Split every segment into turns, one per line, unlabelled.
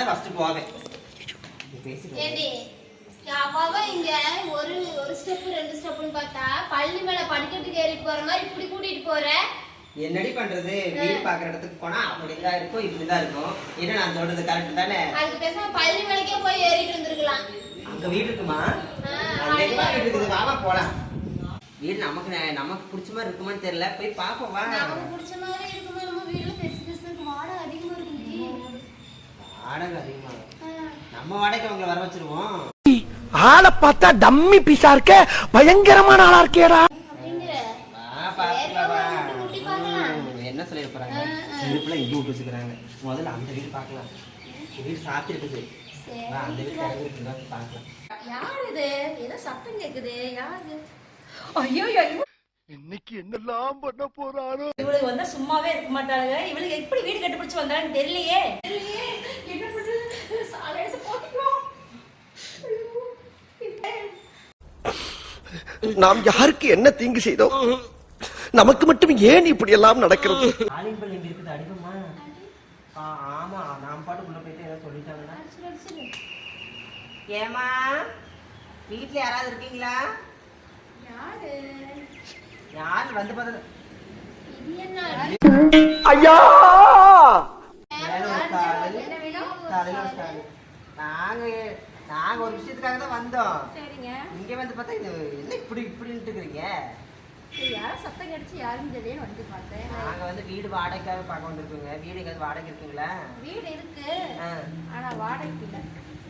தான் ஃபர்ஸ்ட் போவேன்.
இங்க ஒரு ஸ்டெப் 2 ஸ்டெப்னு பார்த்தா பள்ளி மேல படிக்கட்டுக்கு ஏறிட்டு போற மாதிரி இப்படி கூட்டிட்டு போற.
என்னடி பண்றது? வீடு பாக்குற இடத்துக்கு போனா அப்படிதான் இருக்கும், இப்படிதான் இருக்கும். என்ன நான் சொல்றது கரெக்ட் தானே?
அதுக்கு பேசாம பள்ளி மேலக்கே போய் ஏறிட்டு வந்திருக்கலாம்.
அங்க வீடு இருக்குமா? அங்க வீடு இருக்குது, வாமா போலாம். வீடு நமக்கு பிடிச்ச மாதிரி இருக்குமான்னு தெரியல, போய் பாப்போம் வா.
நமக்கு பிடிச்ச மாதிரி இருக்குமா? நம்ம வீடு பெருசு வாடகை அதிகமா இருக்குடி.
வாடகை அதிகமா? நம்ம வாடகை அவங்கள வர வச்சிருவோம்.
ஆளை பார்த்தா டம்மி பீஸா இருக்க, பயங்கரமான ஆளா இருக்கேடா.
என்ன சொல்லிட போறாங்க? சிறுப்புல இங்க விட்டு வச்சுக்கிறாங்க. முதல்ல அந்த வீடு பாக்கலாம். வீடு சாத்தி இருக்குது, அந்த வீடு பாக்கலாம்.
யார் இது? ஏதோ சத்தம் கேக்குது. யாரு?
ஐயோ
இன்னைக்கு என்னெல்லாம் பண்ண போறாரோ.
இவளுக்கு வந்தா சும்மாவே இருக்க மாட்டாளுங்க. இவளுக்கு எப்படி வீடு கண்டுபிடிச்சு வந்தான்னு தெரியலையே. என்ன பண்றது? சாலை எடுத்து போட்டுக்கோ.
நாம் யாருக்கு என்ன தீங்கு செய்தோம்? நமக்கு மட்டும் ஏன் இப்படி எல்லாம் நடக்கிறது?
ஆலிம்பல் எங்க இருக்குது? அடிக்குமா? ஆமா, நான் பாட்டுக்குள்ள போயிட்டு ஏதோ சொல்லிட்டாங்கன்னா. ஏமா வீட்டுல யாராவது இருக்கீங்களா?
யாரு?
யாரு வந்து பார்த்தது?
ஐயா
நாங்க ஒரு விஷயத்துக்காக தான் வந்தோம்.
சரிங்க.
இங்க வந்து பார்த்தா இது என்ன இப்படின்ட்டு இருக்கிறீங்க?
யாரும் சத்தம் கிடைச்சு யாரும் தெரியல வந்து பார்த்தேன்.
நாங்க வந்து வீடு வாடகைக்காக பார்க்க வந்திருக்கோங்க. வீடு எங்காவது வாடகை இருக்குங்களா?
வீடு இருக்கு, ஆனா வாடகைக்கு இல்ல.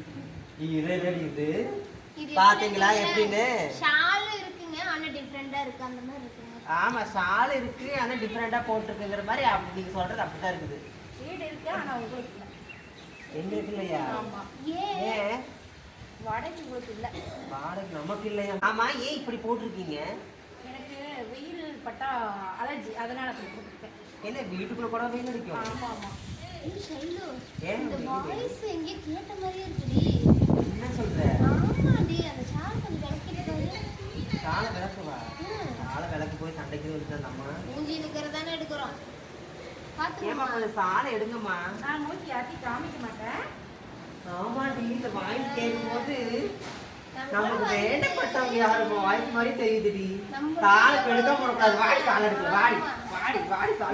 இது பாத்தீங்களா எப்படின்னு?
ஷால் இருக்குங்க, ஆனா டிஃபரெண்டா இருக்கு. அந்த மாதிரி இருக்குங்க.
ஆமா, ஷால் இருக்கு, ஆனா டிஃபரெண்டா போட்டுருக்குங்கிற மாதிரி நீங்க சொல்றது அப்படிதான் இருக்குது.
வீடு இருக்கு, ஆனா உங்களுக்கு இல்ல.
என்ன இருக்கு இல்லையா?
ஆமா. ஏன் வாடகை உங்களுக்கு இல்ல?
வாடகை நமக்கு இல்லையா? ஆமா, ஏன் இப்படி போட்டிருக்கீங்க?
எனக்கு வெயில் பட்டா அலர்ஜி, அதனால அப்படி போட்டுருக்கேன்.
என்ன வீட்டுக்குள்ள கூட வெயில் அடிக்கும்?
ஆமா ஆமா.
ஷைலு,
ஏன்
இந்த வாய்ஸ் எங்க கேட்ட மாதிரியே இருக்குடி.
என்ன சொல்ற?
ஆமாடி, அந்த சால் கொஞ்சம் விளக்கிட்டு
சாலை விளக்குவா? சாலை விளக்கு போய் சண்டைக்கு வந்து நம்ம
மூஞ்சி நிக்கிறதானே எடுக்கிறோம்.
ஏமா கொஞ்சம் சாலை எடுங்கம்மா.
நான் நோக்கி யார்த்தையும் காமிக்க மாட்டேன்.
ஆமாடி, இந்த வாய்ஸ் கேட்கும்போது நமக்கு வேண்டப்பட்டவங்க யாரும் வாய்ஸ் மாதிரி தெரியுதுடி. சாலை எடுக்க போடக்கூடாது, வாடி சாலை எடுக்கல, வாடி வாடி வாடி சாலை.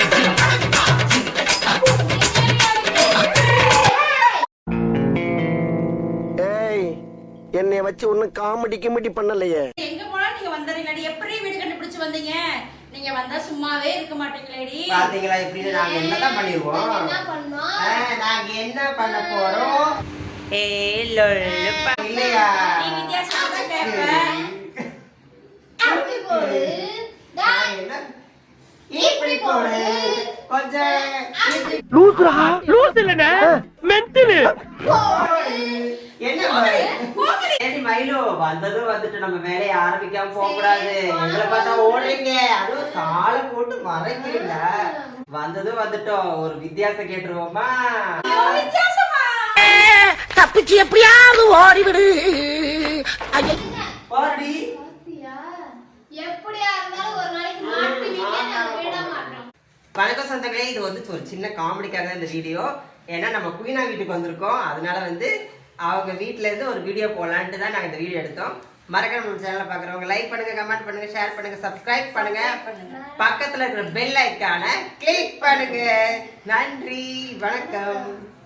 ஏய், என்னைய வச்சு ஒன்னும் காமெடி கிமெடி பண்ணலையே.
எங்க போனா நீங்க வந்தறீங்கடி? எப்படி வீடு கண்டுபிடிச்சு வந்தீங்க? நீங்க வந்தா சும்மாவே இருக்க மாட்டீங்களேடி.
பாத்தீங்களா இப்படி நாங்க என்னதான் பண்ணிருவோம்?
என்ன பண்ணோம்?
நாங்க என்ன பண்ண போறோம்? இல்லையா?
நீ வித்தியாசமா தான் கேட்ப.
அப்படி போடு.
இப்படி போடு. கொஞ்சம்
லூசுரா, லூசு இல்லனே, மென்டல்.
என்ன ஏடி மயிலு, வந்ததும் வந்துட்டு நம்ம வேலையை ஆரம்பிக்காம போக கூடாது. எங்களை பார்த்தா ஓடுறீங்க, அதுவும் சாலை போட்டு மறைக்கிறீங்க. வந்ததும் வந்துட்டோம், ஒரு வித்தியாசம் கேட்டுருவோமா?
வித்தியாசமா
தப்பிச்சு எப்படியாவது ஓடிவிடு.
ஓடி.
எப்படியா இருந்தாலும் ஒரு நாளைக்கு மாட்டுவீங்க, நாங்க விட மாட்டோம்.
வணக்கம் சொந்தங்களே, இது வந்து ஒரு சின்ன காமெடிக்காக தான் இந்த வீடியோ. ஏன்னா நம்ம குயினா வீட்டுக்கு வந்திருக்கோம், அதனால வந்து அவங்க வீட்டுல இருந்து ஒரு வீடியோ போடலான்ட்டு தான் நாங்கள் இந்த வீடியோ எடுத்தோம். மறக்காம நம்ம சேனலை பார்க்குறவங்க லைக் பண்ணுங்க, கமெண்ட் பண்ணுங்க, ஷேர் பண்ணுங்க, சப்ஸ்கிரைப் பண்ணுங்க, பக்கத்துல இருக்கிற பெல் ஐக்கானை கிளிக் பண்ணுங்க. நன்றி, வணக்கம்.